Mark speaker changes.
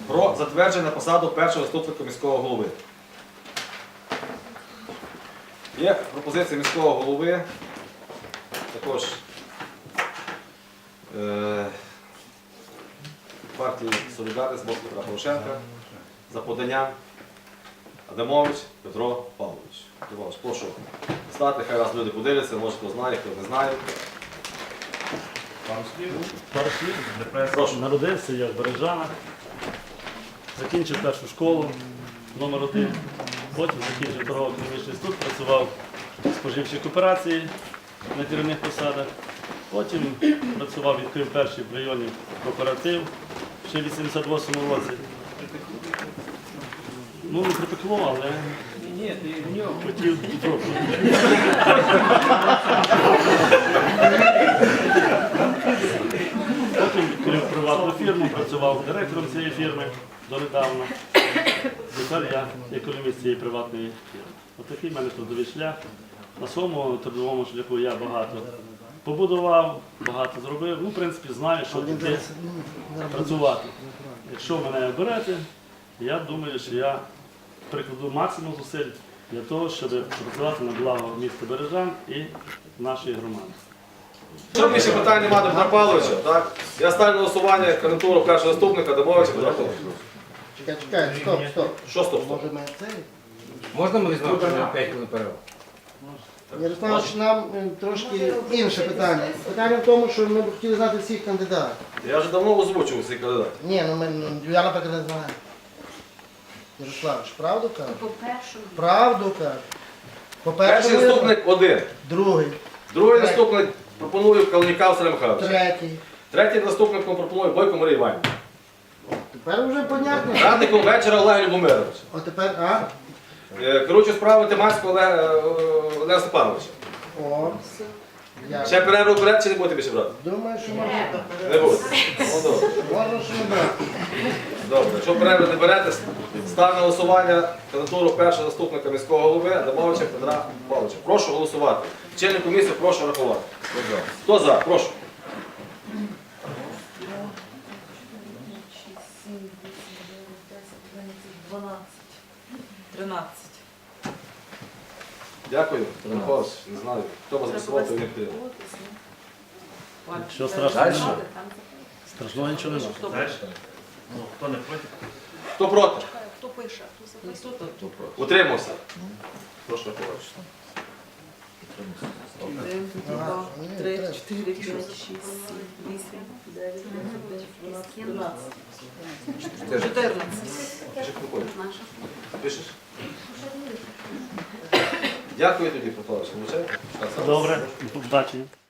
Speaker 1: про затвердження на посаду першого заступника міського голови. Є пропозиція міського голови, також партії Солідарність Блок Петра Порошенка за поданням Адамович Петро Павлович. Петро, прошу стати, хай раз люди подивляться, може хто знає, хто не знає.
Speaker 2: Пару слів.
Speaker 1: Прошу.
Speaker 2: Народився я в Бережанах, закінчив першу школу номер 1, потім закінчив торгово-економічний інститут, працював в споживчій кооперації на керівних посадах, потім працював, відкрив перший в районі кооператив ще в 88-му році. Ну, не припекло, але хотів трохи. Потім відкрив приватну фірму, працював директором цієї фірми донедавна. Тепер я економіст цієї приватної фірми. Отакий в мене трудовий шлях. На своєму трудовому шляху я багато побудував, багато зробив. Ну, в принципі, знаю, що таке працювати. Якщо мене оберете, я думаю, що я прикладу максимум зусиль для того, щоб працювати на благо міста Бережан і нашої громади.
Speaker 1: Якщо більше питань немає до Петра Павловича, так? Я ставлю на голосування кандидатуру першого заступника Адамовича Петра Павловича.
Speaker 3: Чекай, стоп.
Speaker 1: Що стоп?
Speaker 3: Може ми цей?
Speaker 4: Можна ми візьмемо 5 хвилин перерву?
Speaker 3: Ярослав, нам трошки інше питання. Питання в тому, що ми б хотіли знати всіх кандидатів.
Speaker 1: Я вже давно озвучував цей кандидат.
Speaker 3: Ні, я, наприклад, не знаю. Ярославич, правду кажу?
Speaker 5: По-перше,
Speaker 3: Правду кажу.
Speaker 1: Перший заступник один.
Speaker 3: Другий.
Speaker 1: Другий заступник пропоную Калніка Василя Михайловича.
Speaker 3: Третій.
Speaker 1: Третім заступником пропоную Бойко Марію Іванівну.
Speaker 3: Тепер вже понятно.
Speaker 1: Радником вечора Олег Любомирович.
Speaker 3: От тепер,
Speaker 1: Керуючий справи Тиманського Олега Степановича.
Speaker 3: О. Я
Speaker 1: Ще перерву берете чи не будете більше брати?
Speaker 3: думаю, що можна.
Speaker 1: Не будете. Ну, добре.
Speaker 3: Можна, що не брати.
Speaker 1: Добре. Якщо перерву не берете, ставлю на голосування кандидатуру першого заступника міського голови Адамовича Петра Павловича. Прошу голосувати. Члени комісії прошу рахувати. Хто за? Прошу.
Speaker 5: 13.
Speaker 1: Дякую. Петро Павлович, не знаю, хто вас голосувати, не підтримує.
Speaker 2: Що страшного? Страшного нічого немає.
Speaker 4: Хто не проти?
Speaker 1: Хто проти?
Speaker 5: Хто пише? Хто
Speaker 1: Утримався. Прошу рахувати.
Speaker 5: 1, 2, 3, 4, 5, 6, 7, 8, 9, 10, 11, 12, 14.
Speaker 1: Пишеш? Дякую тобі, Петро Павлович.
Speaker 2: Добре, до побачення.